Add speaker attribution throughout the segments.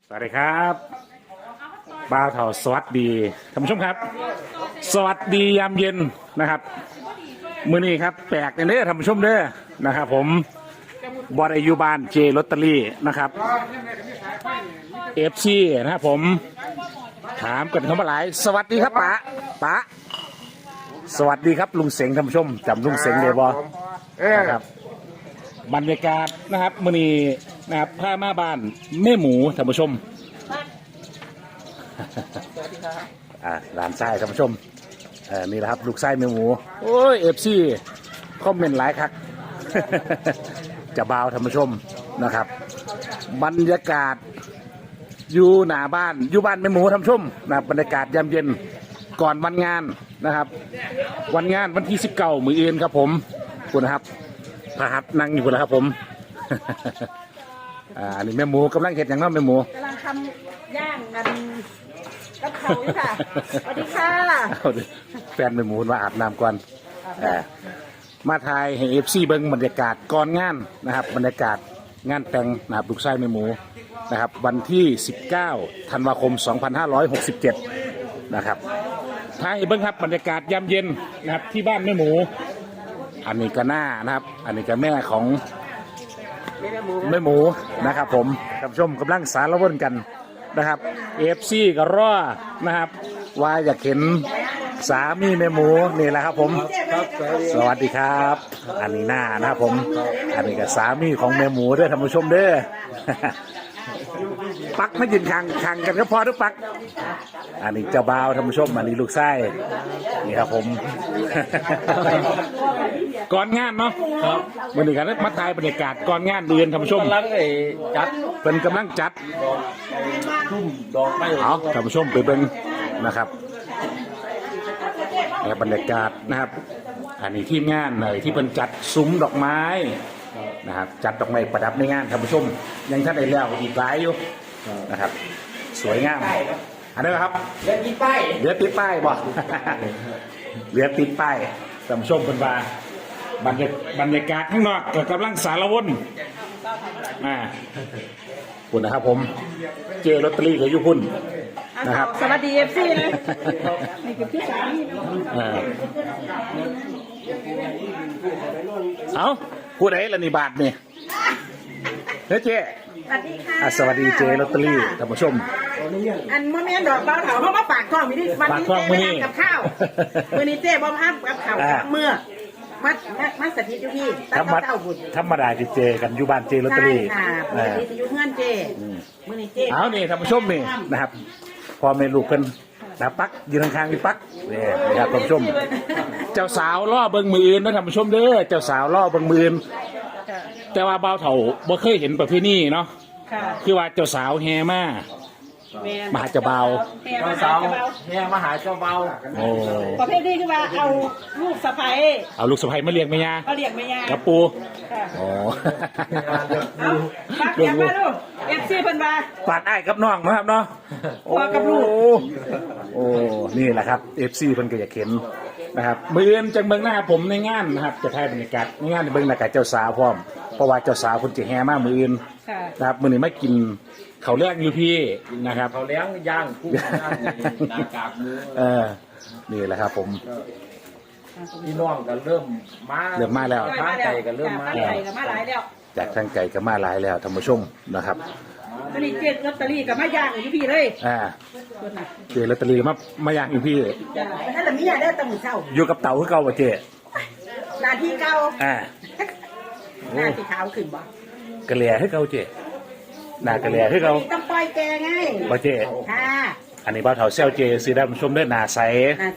Speaker 1: สวัสดีครับบ่าวเถาสวัสดีท่านผู้ชมครับสวัสดียามเย็นนะครับมื้อนี้ครับแปลกเด้อท่านผู้ชมเด้อนะครับผมบอดอายุบานเจลอตเตอรี่นะครับเอฟซีนะครับผมถามกันเข้ามาหลายสวัสดีครับป๋าสวัสดีครับลุงเสงท่านผู้ชมจำลุงเสงได้บ่นะครับบรรยากาศนะครับมื้อนี้นะครับผ้ามาบ้านแม่หมูท่านผู้ชมหลานไส้ท่านผู้ชมนี่แหละครับลูกไส้แม่หมูโอ้ยเอฟซีคอมเมนต์หลายครับ จะบ่าวท่านผู้ชมนะครับบรรยากาศอยู่หน้าบ้านอยู่บ้านแม่หมูท่านผู้ชมนะบรรยากาศยามเย็นก่อนวันงานนะครับวันงานวันที่19มื้ออื่นครับผมคุณนะครับพระหัตถ์นั่งอยู่คุณนะครับผม อันนี้แม่หมูกำลังเห็ดอย่างนั้นแม่หมู
Speaker 2: กำลังทำย่างกันกับเขาอยู่ค่ะสวัสดีค่ะ
Speaker 1: แฟนแม่หมูมาอาบน้ำก่อนมาถ่ายให้เอฟซีเบิ้งบรรยากาศก่อนงานนะครับบรรยากาศงานแต่งนะครับลูกชายแม่หมูนะครับวันที่19ธันวาคม2567นะครับถ่ายให้เบิ้งครับบรรยากาศยามเย็นนะครับที่บ้านแม่หมูอันนี้ก็หน้านะครับอันนี้ก็แม่ของแม่หมูนะครับผมท่านผู้ชมกำลังสารวนกันนะครับเอฟซีก็รอนะครับว่าอยากเห็นสามีแม่หมูนี่แหละครับผมสวัสดีครับอันนี้หน้านะครับผมอันนี้ก็สามีของแม่หมูด้วยท่านผู้ชมเด้อ ปักไม่ยืนขังกันก็พอทุกปักอันนี้เจ้าบ่าวท่านผู้ชมอันนี้ลูกไส้นี่ครับผม ก่อนงานเนาะวันนี้กันมาถ่ายบรรยากาศก่อนงานเดือนท่านผู้ชมเป็นกำลังจัดเอาท่านผู้ชมไปเบิ่งนะครับบรรยากาศนะครับอันนี้ทีมงานที่เป็นจัดซุ้มดอกไม้นะครับจัดดอกไม้ประดับในงานท่านผู้ชมยังท่านได้แล้วอีกหลายอยู่นะครับสวยงามอันนี้ครับเหลือติดป้ายบ่ เหลือติดป้ายท่านผู้ชมเป็นบรรยากาศข้างนอกกำลังสารวนคุณนะครับผมเจลอตเตอรี่กับยุพุ่นนะครับ
Speaker 2: สวัสดีเอฟซีเลยนี่คือพี่สามี
Speaker 1: เอาพูดอะไรล่ะนี่บาทนี่เฮ้ยเจ๊
Speaker 2: สวัสดีค่ะ
Speaker 1: สวัสดีเจลอตเตอรี่ท่านผู้ชม
Speaker 2: อันเมื่อแม่ดอกเบาเถาเขามาปากท้องวันนี้เจ๊ไม่ทำกับข้าววันนี้เจ๊บ่มาทำกับข้าวเมื่อมัสถิตอยู่พี่ตั้งเต้าบุญ
Speaker 1: ธรรมดาจะเจกันอยู่บ้านเจลอตเตอรี่
Speaker 2: ค่ะปกติจะอยู่เพื่อนเจเมื่อนี้เจ
Speaker 1: เอานี่ท่านผู้ชมนี่นะครับพอเมลูกกันนะปักยืนข้างๆพี่ปักนี่นะครับท่านผู้ชมเจ้าสาวล่อเบิ้งมืออื่นนะท่านผู้ชมเด้อเจ้าสาวล่อเบิ้งมืออื่นแต่ว่าบ่าวเฒ่าบ่เคยเห็นประเพณีเนาะคือว่าเจ้าสาวแห่มามาหาเจ้าบ่าว
Speaker 2: เจ้าสาว
Speaker 3: แห่มาหาเจ้าเบา
Speaker 1: โอ้
Speaker 2: ประเภทนี้คือว่าเอาลูกสะใภ้
Speaker 1: มาเลี้ยงแม่ย่ากับปูโอ้
Speaker 2: ปักอย่างมาลูกเอฟซีเพิ่นว่า
Speaker 1: ปาดไอ้กับน้องนะครับเนาะ
Speaker 2: กับลูก
Speaker 1: โอ้นี่แหละครับเอฟซีเพิ่นก็อยากเห็นนะครับมื้ออื่นจังเบิ่งหน้าผมในงานนะครับจะถ่ายบรรยากาศในงานเบิ่งหน้ากับเจ้าสาวพร้อมเพราะว่าเจ้าสาวเพิ่นจะแห่มามื้ออื่นนะครับมื้อนี้มากินเขาเลี้ยงอยู่พี่นะครับ
Speaker 3: เขาเลี้ยงย่างกุ้งย่างหน้ากากมือ
Speaker 1: นี่แหละครับผม
Speaker 3: พี่น้องกันเริ่ม
Speaker 1: มาแล้ว
Speaker 3: ทางไก่กันเริ่มมา
Speaker 2: หลายแล้ว
Speaker 1: จากทางไก่ก็มาหลายแล้วท่านผู้ชมนะครับ
Speaker 2: วันนี้เจ๊ลอตเตอรี่กับมาย่างอยู่พี่เลย
Speaker 1: เจลอตเตอรี่มาย่างอยู่พี่
Speaker 2: นั่นแหละมีอะไรได้ตั้งเช้า
Speaker 1: อยู่กับเต่าคือเก่าป่ะเจ๊
Speaker 2: นาทีเก่าหน้าที่ขาวขึ้นบ่
Speaker 1: กระเหลี่ยให้เก่าเจ๊หน้ากระเหลี่ยให้เก่า
Speaker 2: ต้องปล่อยแกไง
Speaker 1: ป่ะเจ๊อันนี้บ่าวเฒ่าเซลเจซื้อได้ผู้ชมได้หน้าใส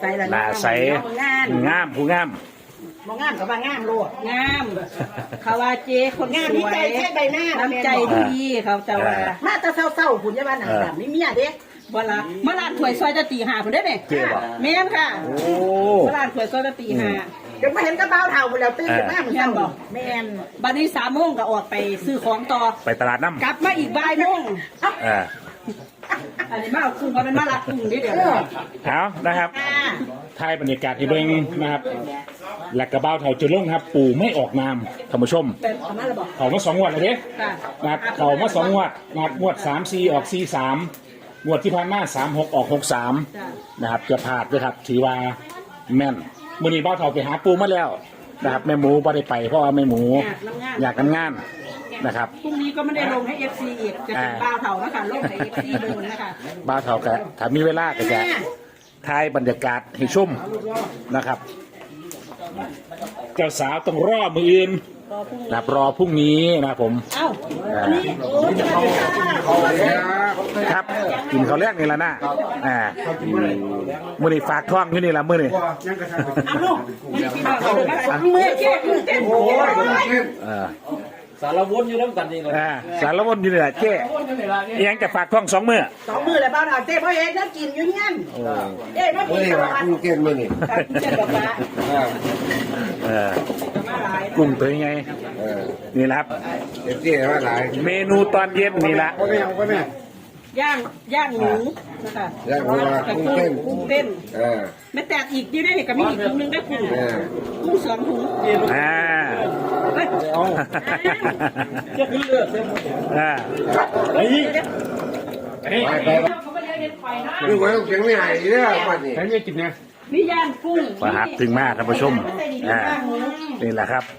Speaker 1: งามผู้งาม
Speaker 2: มองงามกับว่างามโลดงามเขาว่าเจคนงามที่ใจแค่ใบหน้าน้ำใจดีเขาจะว่ามาจะเศร้าๆหุ่นยาบ้านหนังแบบนี้เมียเด็กเวลามาลานถวยซอยจะตีหาคุณได้ไหมแม่ค่ะมาลานถวยซอยจะตีหาเดี๋ยวมาเห็นกระเป๋าเท่าหมดแล้วตื่นมาเหมือนกันบอกแม่บัดนี้3 โมงก็ออกไปซื้อของต่อ
Speaker 1: ไปตลาดน้ำ
Speaker 2: กลับมาอีกบ่ายโมงอันนี้มาคุ้งเขาเป็นมาลัดคุ้งนิดเดียว
Speaker 1: เอานะครับถ่ายบรรยากาศที่เบิ้งนะครับและกระเบ้าเถาจะลงครับปู่ไม่ออกนามท่านผู้ชม
Speaker 2: เป็นประมาณระบอก
Speaker 1: เขามา2 งวดเลยเด้
Speaker 2: ค่ะ
Speaker 1: นะครับเขามา2 งวดนะครับงวด3-4ออก4-3งวดที่ผ่านมา3-6ออก6-3นะครับจะพลาดด้วยครับถือว่าแม่นมื้อนี้เบ้าเถาไปหาปู่มาแล้วนะครับแม่หมูบ่ได้ไปเพราะว่าแม่หมูอยากทำงานนะครับ
Speaker 2: พรุ่งนี้ก็ไม่ได้ลงให้ FC อีกจะเป็นบ้าเถานะคะลงให้ FC ดูนะคะ
Speaker 1: บ้าวเถาก็ถ้ามีเวลาก็จะถ่ายบรรยากาศให้ชมนะครับ เจ้าสาวต้องรอมืออื่นนะครับรอพรุ่งนี้นะครับผม
Speaker 2: เอ้าอันนี้โอ้สวัสดีค่ะ
Speaker 1: ครับกินข้าวแรกนี่แหละนะมื้อนี้ฝากท้องอยู่นี่ละมื้อนี้
Speaker 2: เอาลูกมือเจ๊มือเต้นโอ้ย
Speaker 3: สารวนอยู่น้ำกันนี่เลย
Speaker 1: สารวนอยู่นี่แหละเจ๊เอียงจะฝากท้อง2 มื้อ
Speaker 2: 2 มือเลยบ้าเถาเจ๊พ่อเองถ้ากินอยู่เงี้ยเจ๊พ่อกินตลอด
Speaker 4: กุ้งเก่งมั้ยนี่
Speaker 2: เจ๊บอกว่า มาหลาย
Speaker 1: กุ้งตัวใหญ่นี่แหละครับ
Speaker 4: เจ๊ว่าหลาย
Speaker 1: เมนูตอนเย็นนี่ละ
Speaker 2: ย่างหมูนะคะ
Speaker 4: แล้วว่ากุ้งเต้น
Speaker 2: กุ้งเต้น
Speaker 4: า
Speaker 2: ไม่แตกอีกอยู่ได้ก็มีอีกถุงนึงได้กุ้งกุ้ง2 ถุง เฮ้ย
Speaker 3: จะขึ้นเลือดเต็ม
Speaker 1: ไอ้นี่
Speaker 4: ไปนี่ว่าต้องเสียงไม่หายเด้อบัดนี้
Speaker 1: ใครไม่กินเนี่ย
Speaker 2: มีย่างกุ้ง
Speaker 1: มาหับถึงมากท่านผู้ชมนี่แหละครับ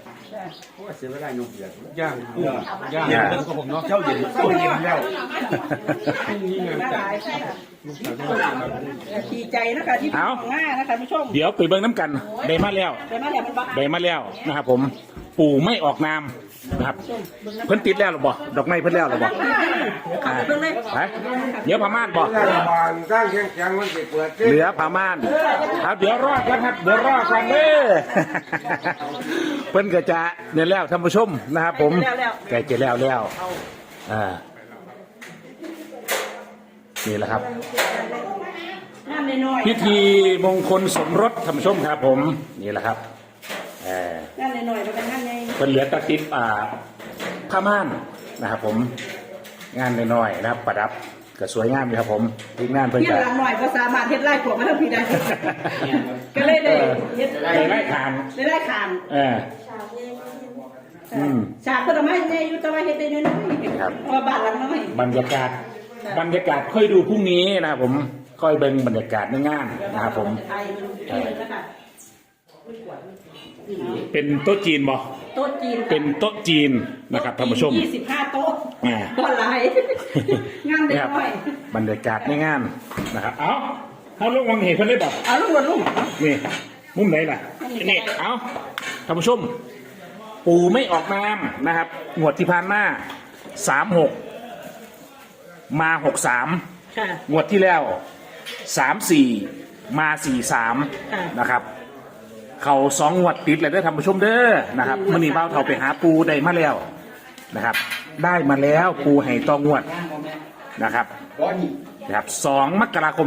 Speaker 3: ย่างกับผมเนาะเจ้าเย็นแล้ว
Speaker 2: มาหลายใช่ค่ะดีใจนะคะที่เป็นของง่ายนะคะผู้ชม
Speaker 1: เดี๋ยวไปเบิ้งน้ำกันได้มาแล้ว
Speaker 2: แต่มาแล้วมันบ้า
Speaker 1: ได้มาแล้วนะครับผมปู่ไม่ออกนามนะครับเพิ่นติดแล้วหรือบ่ดอกไม้เพิ่นแล้วหรือบ่
Speaker 2: ขับไปเบิ่งเลย
Speaker 1: ไปเดี๋ยวพม่านบ่
Speaker 4: รัฐบาลสร้างแข็งๆมันสิเปิด
Speaker 1: เหลือพม่านครับเดี๋ยวรอดครับเดี๋ยวรอดกันเด้อเพิ่นก็จะเนี่ยแล้วท่านผู้ชมนะครับผมใกล้จะแล้วนี่แหละครับ
Speaker 2: น้ำน้อย
Speaker 1: พิธีมงคลสมรสท่านผู้ชมครับผมนี่แหละครับ
Speaker 2: น้ำน้อยแล้วกันน้ำใน
Speaker 1: เป็นเหลือตะติบผ้าม่านนะครับผมงานน้อยๆนะครับประดับก็สวยงามดีครับผมทีมงานเพิ่น
Speaker 2: เที่ย
Speaker 1: จะ
Speaker 2: งหลังหน่อยก็สามารถเฮ็ดไร่ขวบมาทั้งปีได้ก็เลยได้เฮ็ด
Speaker 1: ได้ไล่ทาน
Speaker 2: ได้ไร่ขาน ฉากก็ทำให้แม่อยู่แต่ว่าเฮ็ดได้น้อยๆเพราะบ้านหลังน้อย
Speaker 1: บรรยากาศค่อยดูพรุ่งนี้นะครับผมค่อยเบิ่งบรรยากาศในงานนะครับผม
Speaker 2: ไทยมันนะคะ
Speaker 1: เป็นโต๊ะจีนบ่
Speaker 2: โต๊ะจีน
Speaker 1: เป็นโต๊ะจีนนะครับท่านผู้ชม
Speaker 2: 25 โต๊ะ
Speaker 1: อ่า
Speaker 2: บ่หลายงานเด็ก
Speaker 1: นะครับ
Speaker 2: น้อย
Speaker 1: บรรยากาศในงานนะครับเอาลงวังเหตุเพิ่นได้บ่
Speaker 2: เอาลูกวันลูก
Speaker 1: นี่มุมไหนล่ะนี่เอาท่านผู้ชม ปู่ไม่ออกนามนะครับงวดที่ผ่านมา36มา63
Speaker 2: ค่ะ
Speaker 1: งวดที่แล้ว34มา43นะครับเขา2 งวดติดเลยเด้อท่านผู้ชมเด้อนะครับมื้อนี้บ่าวเฒ่าไปหาปู่ได้มาแล้วนะครับ ได้มาแล้วปู่ให้ต่องวดนะครับ2 มกราคม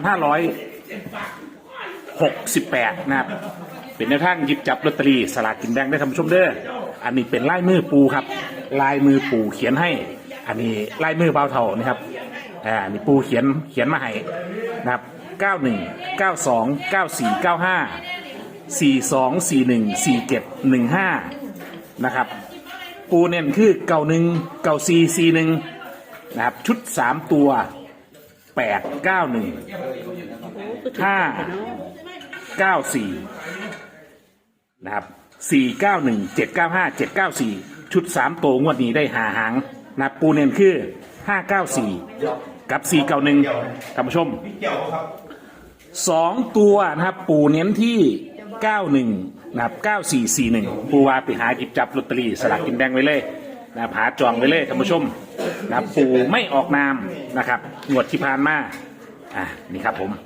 Speaker 1: 2568นะครับเป็นแนวทางหยิบจับลอตเตอรี่สลากกินแบ่งได้ท่านผู้ชมเด้ออันนี้เป็นลายมือปู่ครับลายมือปู่เขียนให้ อันนี้ลายมือบ่าวเฒ่านะครับนี่ปู่เขียนมาให้นะครับ91 92 94 95 42 41 47 15นะครับปูเน้นคือ91 94 41นะครับชุด3ตัว8 91 5 94นะครับ491 795 794ชุด3ตัวงวดนี้ได้5 หางนะครับปูเน้นคือ594กับ491ท่านผู้ชม2 ตัวนะครับปูเน้นที่91นะครับ9441ปูว่าไปหาหยิบจับลอตเตอรี่สลากกินแบ่งไว้เลยนะครับหาจองไว้เลยท่านผู้ชมนะครับปูไม่ออกนามนะครับงวดที่ผ่านมานี่ครับผม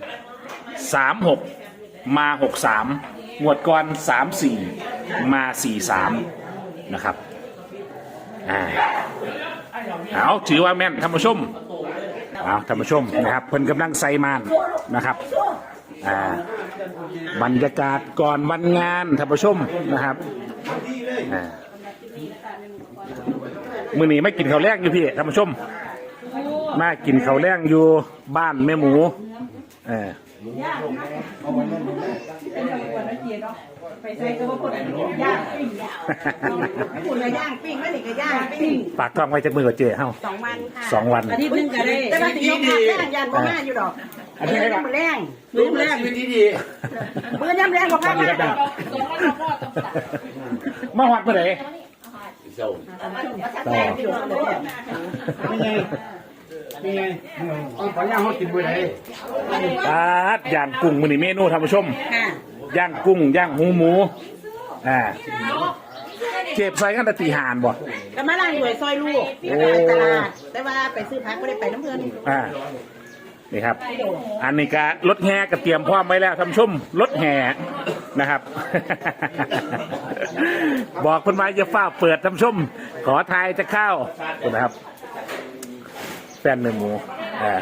Speaker 1: 36มา63งวดก่อน34มา43นะครับเอาถือว่าแม่นท่านผู้ชมท่านผู้ชมนะครับเพิ่นกำลังใส่มานนะครับบรรยากาศก่อนวันงานท่านผู้ชมนะครับมื้อนี้ไม่กินข้าวแลงอยู่พี่ท่านผู้ชมมากินข้าวแลงอยู่บ้านแม่หมู
Speaker 2: ไปใส่ก็ว่าคนย่างปิ้งคุณก็ย่างปิ้งไม่ได้ก็ย่างปิ้ง
Speaker 1: ฝากกล้องไว้จากมือกับเจ๊เฮ้า
Speaker 2: 2 วันค่ะ
Speaker 1: 2 วัน
Speaker 2: อาทิตย์นึงก็ได้แต่ว่าสิยกมาย่างยันบ่มาอยู่ดอกอันนี้มันแรงมือแรง
Speaker 4: ชีวิตดี
Speaker 2: มือย่ำแรงกว่าพักมา
Speaker 1: มาหอดเมื่อไหร่
Speaker 4: เศร้า
Speaker 2: ไม่ไง
Speaker 4: นี่ไงเอาปลาย่างเขากินไปไหน
Speaker 1: ย่างกุ้งมื้อนี้เมนูท่านผู้ชม
Speaker 2: ค่ะ
Speaker 1: ย่างกุ้งย่างหูหมูเจ็บใส่กันแต่ตีหานบ่
Speaker 2: ก็มาล้างหน่วยซอยลูกไปตลาดแต่ว่าไปซื้อผักไม่ได้ไปน้ำเงิน
Speaker 1: นี่ครับ อันนี้ก็รถแห่ก็เตรียมพร้อมไว้แล้วท่านผู้ชมรถแห่นะครับ บอกคนไว้จะฝ้าเปิดท่านผู้ชม ขอทายจะเข้านะครับแฟนเนื้อหมู
Speaker 3: อย่า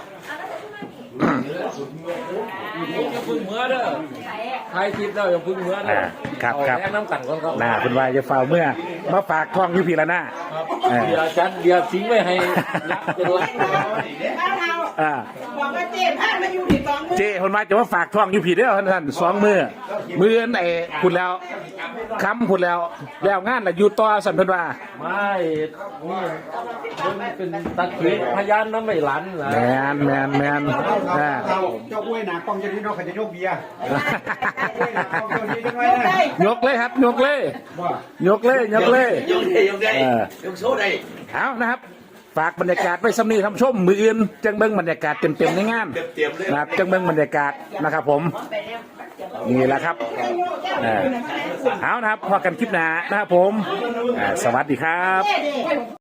Speaker 3: พึ่งเมื่อเด้อใครคิดแล้วอย่าพึ่งเมื่อเด้อ
Speaker 1: ครับ
Speaker 3: แนะน้ำกันก่อนครับ
Speaker 1: คุณไว้จะฝ้าเมื่อมาฝากท้องอยู่พี่ละหน้า
Speaker 3: เดี๋ยวจัดเดี๋ยวทิ้งไว้ให้ยักษ์เป็นรัก
Speaker 2: บอกว่าเจ๊พามาอยู่ที่2 มื้อ
Speaker 1: เจ้คนมาจะมาฝากท้องอยู่ผิดเด้อท่าน2 มื้อไอ้พูดแล้วค้ำพูดแล้วงานน่ะอยู่ต่อสันเพิ่นว่า
Speaker 3: ไม่นี่มันเป็นตักเขียนพยานน้ำไม่หลันนะ
Speaker 1: แมน
Speaker 4: เจ้าอ้วยหนากองจะนี่นอกขันจะยกเบียร์
Speaker 1: ยกเลยครับยกเลยยกเลย
Speaker 4: ยกได้ยกโซ่ได้
Speaker 1: เอานะครับ ฝากบรรยากาศไว้สำนีทำชมมืออื่นจังเบิ้งบรรยากาศเต็มในงานนะครับจังเบิ้งบรรยากาศนะครับผมนี่แหละครับเอานะครับพอกันคลิปหน้านะครับผมสวัสดีครับ